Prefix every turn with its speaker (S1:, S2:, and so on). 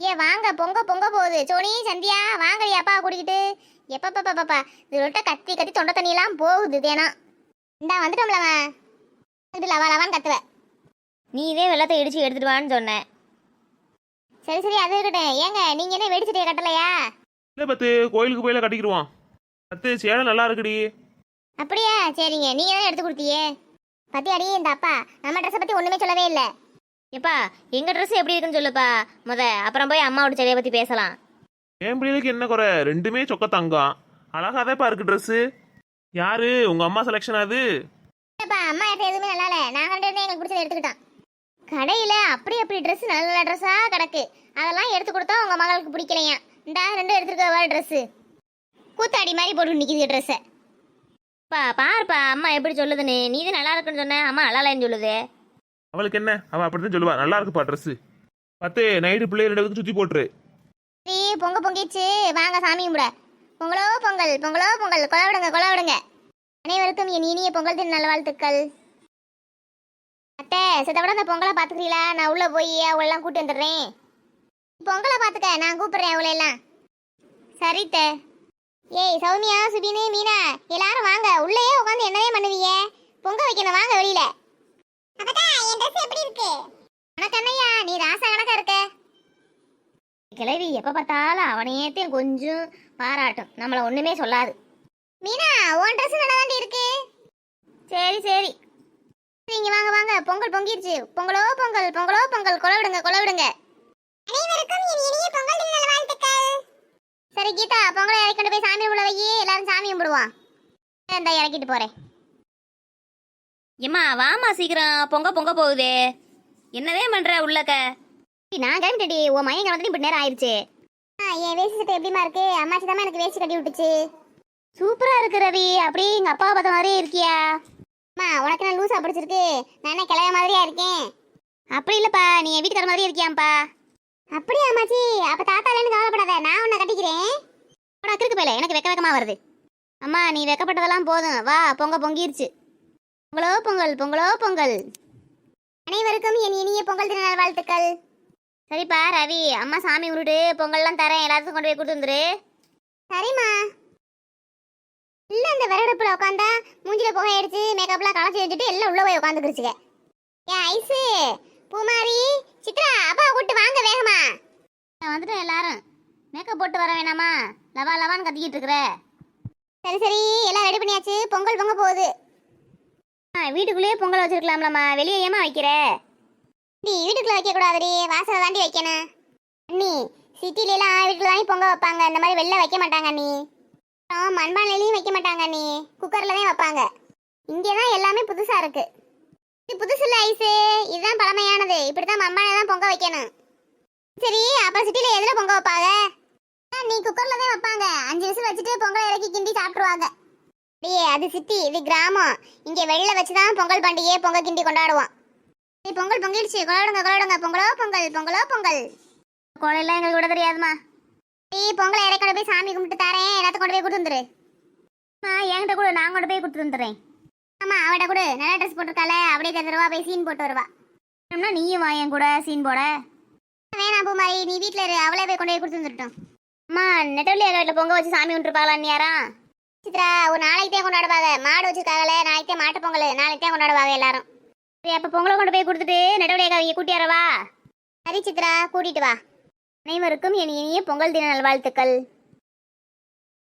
S1: வாங்க பொங்க பொங்க போகுது. சோனி சந்தியா வாங்கடி அப்பா கூட்டிக்கிட்டு. எப்பப்பா இது விட்ட கத்தி கத்தி தொண்டை தண்ணியெல்லாம் போகுது தேனா. இந்தா வந்துட்டோம்லவன். இது லவா லவான்னு கத்துவ.
S2: நீ இதே வெள்ளத்தை இடிச்சு எடுத்துட்டு வான்னு சொன்னேன்.
S1: சரி சரி அது இருக்கட்டும். ஏங்க நீங்க என்ன வெடிச்சிட்டே கட்டலையா?
S3: இல்லை பத்து, கோயிலுக்கு போயில கட்டிக்கிடுவான். பத்து சேலை நல்லா இருக்குடி.
S1: அப்படியா? சரிங்க, நீங்க தான் எடுத்து கொடுத்தியே. பத்தியாடி இந்த அப்பா நம்ம ட்ரெஸ்ஸை பத்தி ஒண்ணுமே சொல்லவே இல்லை.
S2: எப்பா எங்க ட்ரெஸ் எப்படி இருக்குன்னு சொல்லுப்பா அப்புறம் போய் அம்மாவோட செடியை பத்தி பேசலாம்.
S3: என் பிள்ளைகளுக்கு என்ன குறை? ரெண்டுமே சொக்க தங்கம். அழகாதேப்பா இருக்கு ட்ரெஸ்ஸு. யாரு உங்க அம்மா செலெக்ஷன்? அது
S1: அம்மா எடுத்த எதுவுமே நல்லா இல்லை. நாங்கள் ரெண்டு பேரும் எங்களுக்கு பிடிச்சதை எடுத்துக்கிட்டோம். கடையில் அப்படி ட்ரெஸ் நல்ல நல்ல ட்ரெஸ்ஸாக கிடக்கு. அதெல்லாம் எடுத்து கொடுத்தா உங்கள் மகளுக்கு பிடிக்கலையா? இந்தா ரெண்டும் எடுத்துருக்க ட்ரெஸ்ஸு கூத்தாடி மாதிரி போட்டு நிற்கிது ட்ரெஸ்ஸை.
S2: பாருப்பா அம்மா எப்படி சொல்லுதுன்னு. நீ தான் நல்லா இருக்குன்னு சொன்ன, அம்மா நல்லா இல்லைன்னு சொல்லுது.
S3: அவளுக்கு என்ன, அவள் அப்படிதான் சொல்லுவா. நல்லா இருக்குப்பா ட்ரெஸ்ஸு. பத்து நைட்டு பிள்ளைய ரெண்டு பேருக்கு சுற்றி போட்டுரு.
S1: சரி பொங்கிச்சு வாங்க சாமி கும்பிட. பொங்கலோ பொங்கல் பொங்கலோ பொங்கல். கொலை விடுங்க. அனைவருக்கும் என் இனிய பொங்கல் தின நல்வாழ்த்துக்கள். அத்தை சித்தப்பட அந்த பொங்கலை பார்த்துக்கிறீங்களா? நான் உள்ளே போய் அவளெல்லாம் கூட்டி வந்துடுறேன். பொங்கலை பார்த்துக்க, நான் கூப்பிடுறேன் அவளெல்லாம். சரித்த. ஏய் சௌமியா சுபினு மீனா எல்லாரும் வாங்க. உள்ளேயே உட்காந்து என்னவே பண்ணுவீங்க? பொங்க வைக்கணும், வாங்க வெளியில. எப்படி இருக்கு உனக்கு அண்ணையா? நீ ராசா கணக்கா இருக்க.
S2: கிளவி எப்ப பார்த்தாலும் அவனையேத்தையும் கொஞ்சம் பாராட்டும், நம்மள ஒண்ணுமே சொல்லாது.
S1: மீனா உன் ட்ரெஸ் நல்லா தாண்டி இருக்கு.
S2: சரி சரி
S1: நீங்க வாங்க வாங்க. பொங்கல் பொங்கிருச்சு. பொங்கலோ பொங்கல் பொங்கலோ பொங்கல். கொலை விடுங்க. அனைவருக்கும் என் இனிய பொங்கல் தின நல்வாழ்த்துக்கள். சரி கீதா பொங்கலை இறக்கிட்டு போய் சாமி உள்ள வை. எல்லாரும் சாமி கும்பிடுவோம். இந்த இறக்கிட்டு போறேன்.
S2: எம்மா வாமா சீக்கிரம், பொங்க போகுதே. என்னவே பண்ற உள்ளக்க?
S1: நான் கிளம்பிட்டடி. உன் மையம் கிளம்பி இப்படி நேரம் ஆயிடுச்சு. என் வேஷ்டி சட்டை எப்படிமா இருக்கு? அம்மாச்சி தான் எனக்கு வேஷ்டி கட்டி விட்டுச்சு.
S2: சூப்பரா இருக்கு ரவி. அப்படியே எங்க அப்பாவை பார்த்த மாதிரியே இருக்கியா?
S1: அம்மா உனக்கு நான் லூசா பிடிச்சிருக்கு. நான் என்ன கிளம்ப மாதிரியா இருக்கேன்?
S2: அப்படி இல்லப்பா, நீ என் வீட்டுக்கார மாதிரியே இருக்கியாப்பா.
S1: அப்படியா அம்மாச்சி? அப்ப தாத்தாலேன்னு கவலைப்படாத, நான் உன்னை கட்டிக்கிறேன்.
S2: உனக்கு போயில எனக்கு வெக்கமா வருது. அம்மா நீ வெக்கப்பட்டதெல்லாம் போதும், வா பொங்கிருச்சு. பொங்கலோ பொங்கல் பொங்கலோ பொங்கல்.
S1: அனைவருக்கும் என் இனிய பொங்கல் தின நல்வாழ்த்துக்கள்.
S2: சரிப்பா ரவி, அம்மா சாமி உருட்டு பொங்கல்லாம் தரேன், எல்லாத்துக்கும் கொண்டு போய் கொடுத்து வந்துரு.
S1: சரிம்மா. இல்ல அந்த விறகடுப்புல உட்காந்தா மூஞ்சில புகை அடிச்சு மேக்கப்லாம் களைச்சி வச்சுட்டு எல்லாம் உள்ள போய் உட்காந்துக்கிருச்சுங்க. ஏன் ஐசு பூமாரி சித்ரா அப்பா கூட்டு வாங்க வேகமா.
S2: நான் வந்துட்டேன். எல்லாரும் மேக்கப் போட்டு வர வேணாமா? லவான்னு கத்திக்கிட்டு இருக்கிற.
S1: சரி எல்லாம் ரெடி பண்ணியாச்சு. பொங்கல் பொங்க போகுது.
S2: வீட்டுக்குள்ளேயே பொங்கல் வச்சிருக்கலாம்லம்மா, வெளியே ஏமா வைக்கிற?
S1: நீ வீட்டுக்குள்ள வைக்க கூடாதுடி, வாசலை தாண்டி வைக்கணும். அண்ணி சிட்டில எல்லாம் வீட்டுல தாண்டி பொங்க வைப்பாங்க, இந்த மாதிரி வெளில வைக்க மாட்டாங்க அண்ணி. மண்பானையிலையும் வைக்க மாட்டாங்க அண்ணி, குக்கர்ல தான் வைப்பாங்க. இங்கேதான் எல்லாமே புதுசா இருக்கு. இது புதுசு இல்ல ஐசு, இதுதான் பழமையானது. இப்படித்தான் மண்பானை தான் பொங்க வைக்கணும். சரி அப்ப சிட்டில எதுல பொங்க வைப்பாங்க? நீ குக்கர்ல தான் வைப்பாங்க. 5 விசில் வச்சுட்டு பொங்கல் இறக்கி கிண்டி சாப்பிட்டுருவாங்க. அது சிட்டி, இது கிராமம். இங்க வெளில வச்சுதான் பொங்கல் பண்டிகையை பொங்க கிண்டி கொண்டாடுவோம். பொங்கல் பொங்கிடுச்சு. கொண்டாடுங்க. பொங்கலோ பொங்கல் பொங்கலோ பொங்கல்.
S2: கோலையெல்லாம் எங்களுக்கு விட தெரியாதுமா.
S1: பொங்கலை இறக்கி கொண்டு போய் சாமி கும்பிட்டு தரேன், எல்லாத்தையும் கொண்டு போய் கொடுத்து வந்துரு.
S2: என்கிட்ட கூட நான் கொண்டு போய் கொடுத்து வந்துடுறேன்.
S1: ஆமா அவட கூட நல்ல ட்ரெஸ் போட்டிருக்கால, அப்படியே தருவா போய் சீன் போட்டு வருவா.
S2: நீயும் வா என் கூட சீன் போட.
S1: வேணாம் பூமாரி, நீ வீட்டுல இரு, அவளே போய் கொண்டு போய் கொடுத்து வந்துட்டோம்.
S2: அம்மா நெட்டவள்ளி வீட்டில் பொங்க வச்சு சாமி விட்டுருப்பாங்களா அண்ணியாரா?
S1: சித்ரா ஒரு நாளைக்கு தான் கொண்டாடுவாங்க. மாடு வச்சிருக்காங்களே, நாளைக்கு தான் மாட்டு பொங்கல், நாளைக்கு தான் கொண்டாடுவாங்க எல்லாரும்.
S2: சரி அப்போ பொங்கலை கொண்டு போய் கொடுத்துட்டு நெட்டவள்ளி அவங்க கூட்டியாரவா?
S1: சரி சித்ரா கூட்டிட்டு வா.
S2: அனைவருக்கும் என் இனிய பொங்கல் தின நல்வாழ்த்துக்கள்.